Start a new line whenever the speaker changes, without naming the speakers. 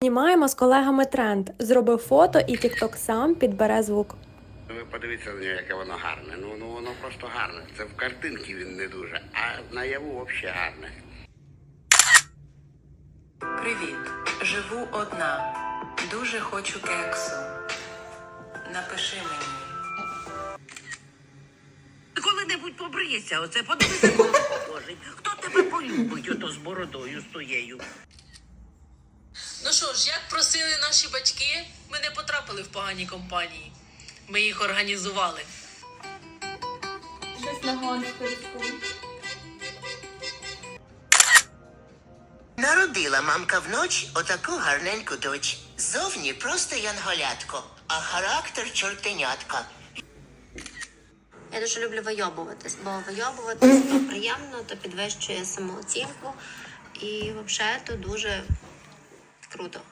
Знімаємо з колегами тренд. Зробив фото і TikTok сам підбере звук.
Ви подивіться на нього, яке воно гарне. Ну воно просто гарне. Це в картинці він не дуже, а наяву взагалі гарне.
Привіт. Живу одна. Дуже хочу кексу. Напиши мені.
Коли-небудь побрийся, оце подивися, кого похожий. Хто тебе полюбить, ото з бородою, з тоєю?
Ну що ж, як просили наші батьки, ми не потрапили в погані компанії. Ми їх організували.
Щось на гонську.
Народила мамка вночі отаку гарненьку доч. Зовні просто янголятко, а характер чортенятка.
Я дуже люблю вийобуватись, бо вийобуватись то приємно, то підвищує самооцінку і взагалі то дуже круто.